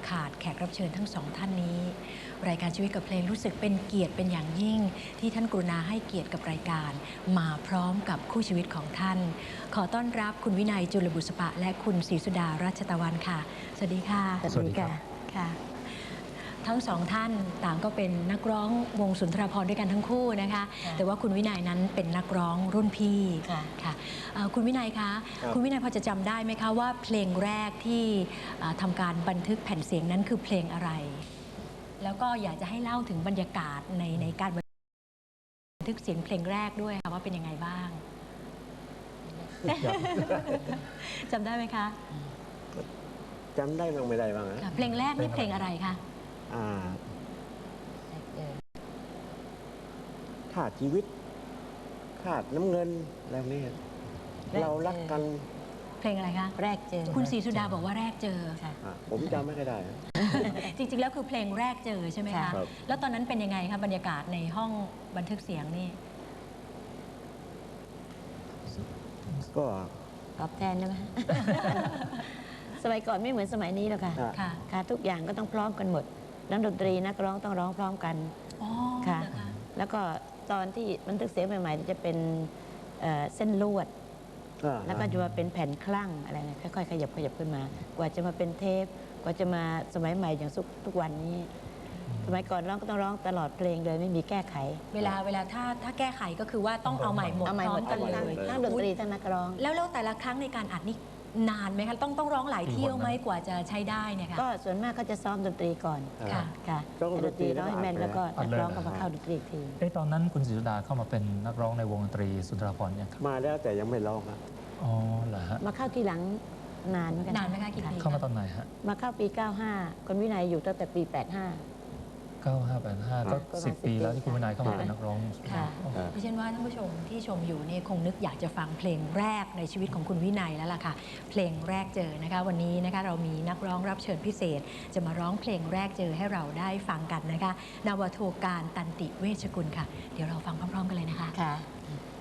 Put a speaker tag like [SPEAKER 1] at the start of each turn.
[SPEAKER 1] ขาดแขกรับเชิญทั้งสองท่านนี้รายการชีวิตกับเพลงรู้สึกเป็นเกียรติเป็นอย่างยิ่งที่ท่านกรุณาให้เกียรติกับรายการมาพร้อมกับคู่ชีวิตของท่านขอต้อนรับคุณวินัยจุลบุษปะและคุณศรีสุดารัชตะวันค่ะสวัสดีค่ะ
[SPEAKER 2] สวัสดีค่ะ
[SPEAKER 1] ค่ะทั้งสองท่านต่างก็เป็นนักร้องวงสุนทรภรณ์ด้วยกันทั้งคู่นะคะแต่ว่าคุณวินัยนั้นเป็นนักร้องรุ่นพี่ค่ะคุณวินัยคะคุณวินัยพอจะจำได้ไหมคะว่าเพลงแรกที่ทำการบันทึกแผ่นเสียงนั้นคือเพลงอะไรแล้วก็อยากจะให้เล่าถึงบรรยากาศในการบันทึกเสียงเพลงแรกด้วยค่ะว่าเป็นยังไงบ้างจำได้ไหมคะ
[SPEAKER 2] จำได้บ้างไม่ได้บ้างนะ
[SPEAKER 1] เพลงแรกนี่เพลงอะไรคะ
[SPEAKER 2] ขาดชีวิตขาดน้ำเงินอะไรนี้เรารักกัน
[SPEAKER 1] เพลงอะไรคะ
[SPEAKER 3] แรกเจอ
[SPEAKER 1] คุณศรีสุดาบอกว่าแรกเจอ
[SPEAKER 2] ผมจำไม่ได้
[SPEAKER 1] จริงๆแล้วคือเพลงแรกเจอใช่ไหมคะแล้วตอนนั้นเป็นยังไงคะบรรยากาศในห้องบันทึกเสียงนี่
[SPEAKER 2] ก็
[SPEAKER 3] ตอบแทนได้ไหมสมัยก่อนไม่เหมือนสมัยนี้หรอกค่ะค่ะทุกอย่างก็ต้องพร้อมกันหมดนักดนตรีนักร้องต้องร้องพร้อมกันค่ะแล้วก็ตอนที่บันทึกเสียงใหม่ๆจะเป็นเส้นลวดแล้วก็จะมาเป็นแผ่นคลั่งอะไรนะค่อยๆขยับขึ้นมากว่าจะมาเป็นเทปกว่าจะมาสมัยใหม่อย่างทุกวันนี้สมัยก่อนร้องก็ต้องร้องตลอดเพลงเลยไม่มีแก้ไข
[SPEAKER 1] เวลาถ้าแก้ไขก็คือว่าต้องเอาใหม่หมดพร้อมกันเลย
[SPEAKER 3] ทั้งดนตรีทั้งนักร้อง
[SPEAKER 1] แล้วแต่ละครั้งในการอัดนี่นานไหมคะต้องร้องหลายเที่ยวไหมกว่าจะใช้ได้เนี่ยค่ะ
[SPEAKER 3] ก็ส่วนมากก็จะซ้อมดนตรีก่อนค่ะดนตรีร้องให้แม่นแล้วก็นักร้องก็มาเข้าดนตรีอีกที
[SPEAKER 4] ตอนนั้นคุณศรีสุดาเข้ามาเป็นนักร้องในวงดนตรีสุนทรภรณ์ยังครับ
[SPEAKER 2] มาแล้วแต่ยังไม่ร้องครับ
[SPEAKER 4] อ๋อเหรอฮะ
[SPEAKER 3] มาเข้าทีหลังนานเหมือนกัน
[SPEAKER 1] นานไหมคะกี่ปี
[SPEAKER 4] เข้ามาตอนไหนฮะ
[SPEAKER 3] มาเข้าปี 95คนวินัยอยู่ตั้งแต่ปี 85
[SPEAKER 4] 95 85ก็10 ปีแล้วที่คุณวินัยเข้ามาเป็นนักร้อง
[SPEAKER 1] ค่ะดิฉันว่าท่านผู้ชมที่ชมอยู่เนี่ยคงนึกอยากจะฟังเพลงแรกในชีวิตของคุณวินัยแล้วล่ะค่ะเพลงแรกเจอนะคะวันนี้นะคะเรามีนักร้องรับเชิญพิเศษจะมาร้องเพลงแรกเจอให้เราได้ฟังกันนะคะนาวาโทการตันติเวชกุลค่ะเดี๋ยวเราฟังพร้อมๆกันเลยนะคะ